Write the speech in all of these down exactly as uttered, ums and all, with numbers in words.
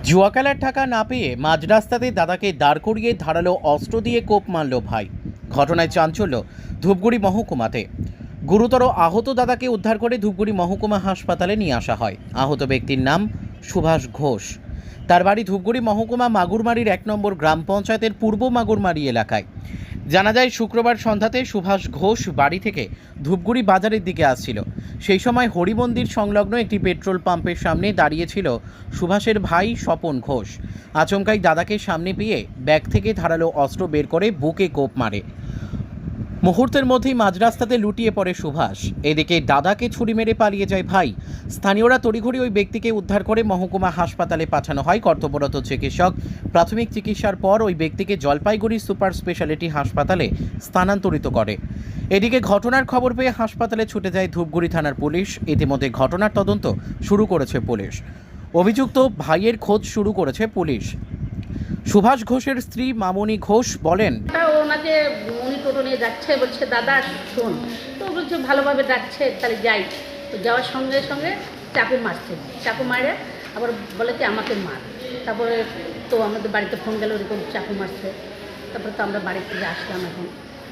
জুয়া খেলার টাকা না পেয়ে মাঝ রাস্তাতে দাদাকে দাঁড় করিয়ে ধারালো অস্ত্র দিয়ে কোপ মারল ভাই। ঘটনায় চাঞ্চল্য ধূপগুড়ি মহকুমাতে। গুরুতর আহত দাদাকে উদ্ধার করে ধূপগুড়ি মহকুমা হাসপাতালে নিয়ে আসা হয়। আহত ব্যক্তির নাম সুভাষ ঘোষ। তার বাড়ি ধূপগুড়ি মহকুমা মাগুরমারির এক নম্বর গ্রাম পঞ্চায়েতের পূর্ব মাগুরমারি এলাকায়। জানা যায় শুক্রবার সন্ধ্যাতে সুভাষ ঘোষ বাড়ি থেকে ধূপগুড়ি বাজারের দিকে আসছিল। সেই সময় হরিমন্দির সংলগ্ন একটি পেট্রোল পাম্পের সামনে দাঁড়িয়েছিল সুভাষের ভাই স্বপন ঘোষ। আচমকাই দাদাকে সামনে পেয়ে ব্যাগ থেকে ধারালো অস্ত্র বের করে বুকে কোপ মারে। মুহূর্তের মধ্যেই মাঝ রাস্তাতে লুটিয়ে পড়ে সুভাষ। এদিকে দাদাকে ছুরি মেরে পালিয়ে যায় ভাই। স্থানীয়রা তড়িঘড়ি ওই ব্যক্তিকে উদ্ধার করে মহকুমা হাসপাতালে পাঠানো হয়। কর্তব্যরত চিকিৎসক প্রাথমিক চিকিৎসার পর ওই ব্যক্তিকে জলপাইগুড়ি সুপার স্পেশালিটি হাসপাতালে স্থানান্তরিত করে। এদিকে ঘটনার খবর পেয়ে হাসপাতালে ছুটে যায় ধূপগুড়ি থানার পুলিশ। ইতিমধ্যে ঘটনার তদন্ত শুরু করেছে পুলিশ। অভিযুক্ত ভাইয়ের খোঁজ শুরু করেছে পুলিশ। সুভাষ ঘোষের স্ত্রী মামনি ঘোষ বলেন, ওনাকে উনি টোটো নিয়ে যাচ্ছে, বলছে দাদা শোন, তো বলছে ভালোভাবে ডাকছে, তাহলে যাই। তো যাওয়ার সঙ্গে সঙ্গে চাকু মারছে, চাকু মারে আবার বলে কি আমাকে মার। তারপরে তো আমাদের বাড়িতে ফোন গেল ওরকম চাকু মারছে। তারপরে তো আমরা বাড়ি থেকে আসলাম। এখন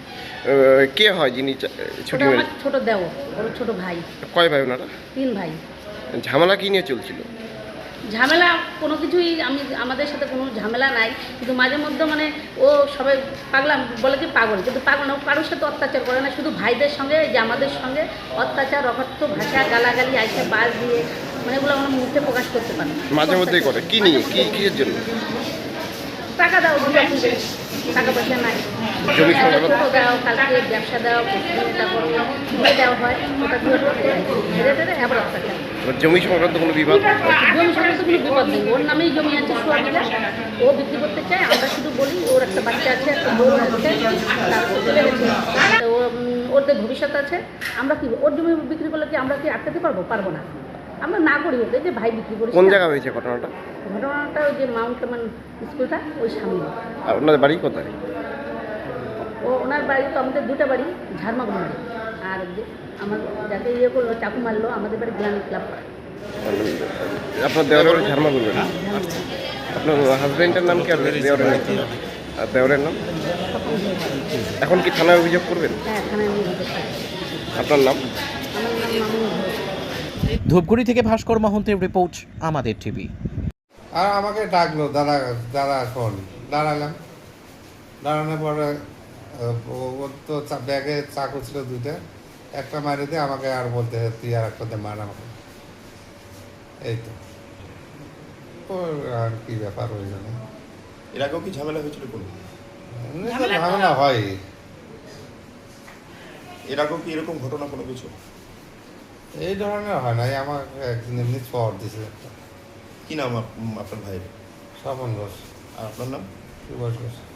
কে হয় যিনি ছুটি আমার ছোটো দেও, ওর ছোটো ভাই। কয় ভাই ওনারা? তিন ভাই। ঝামেলা কি নিয়ে চলছিল? ঝামেলা কোনো কিছুই আমি আমাদের সাথে কোনো ঝামেলা নাই, কিন্তু মাঝে মধ্যে মানে ও সবাই পাগলাম বলে কি পাগল, কিন্তু পাগল না, ও কারোর সাথে অত্যাচার করে না, শুধু ভাইদের সঙ্গে যে আমাদের সঙ্গে অত্যাচার, অকথ্য ভাষা, গালাগালি, আইসে বাস দিয়ে, মানে এগুলো আমরা মুখে প্রকাশ করতে পারি। মাঝে মধ্যেই করে কি নিয়ে, কি কিসের জন্য? টাকা দাও, টাকা পয়সা নাই, জমি ছোটো দাও, কালকে ব্যবসা দাও, তারপর ঘুরে দেওয়া হয়, ওটা ঘুরে ধরে আবার অত্যাচার। জমি সংক্রান্ত কোনো বিবাদ? জমি সংক্রান্ত কোনো বিপদ নেই, ওর নামেই জমি আছে সোয়াবিলা, ও বিক্রি করতে চায়। আমরা শুধু বলি ওর একটা বাচ্চা আছে, একটা বউ আছে, তারপর চলে গেছে, ও ওদের ভবিষ্যৎ আছে। আমরা কি ওর জমি বিক্রি করলে কি আমরা কি আটকাতে পারবো? পারবো না। আমরা না করি ওকে যে ভাই বিক্রি করি। কোন জায়গা হয়েছে ঘটনাটা? ঘটনাটা ওই যে মাউন্ট কামান স্কুলটা ওই সামনে। আর ওনাদের বাড়ি কোথায়? ও ওনার বাড়ি তো আমাদের দুটা বাড়ি, ঝাড়মাগুড়ি। আর আমার যাকে ইয়ে করলো চাকু মারলো আমাদের বাড়ি গ্রামী ক্লাব। আপনার দেওয়ারের বাড়ি ঝাড়মা করবেন? আপনার হাজব্যান্ডের নাম কি? আর দেওয়ারের নাম? আর দেওয়ারের নাম? এখন কি থানায় অভিযোগ করবেন? হ্যাঁ, থানায় অভিযোগ করতে। আপনার নাম? আমার নাম মামুন ঘোষ। ধূপগুড়ি থেকে ভাস্কর মহন্তের রিপোর্ট, আমাদের টিভি। আর আমাকে ডাকলো, দাদা দাদা শোন। দাঁড়ালাম, দাঁড়ানোর পরে ওর তো ব্যাগে চাকু ছিল দুইটা, একটা মারি দিয়ে আমাকে আর বলতে তুই আর একটাতে মার আমাকে। এই তো আর কি ব্যাপার ওই জন্য। এর আগেও কি ঝামেলা হয়েছিল? কোনো ঝামেলা হয়? এর আগেও কি এরকম ঘটনা কোনো কিছু? এই ধরনের হয় না, আমাকে একদিন এমনি চর দিছে। কি নাম আপনার ভাইয়ের? স্বপন ঘোষ। আর আপনার নাম? সুভাষ ঘোষ।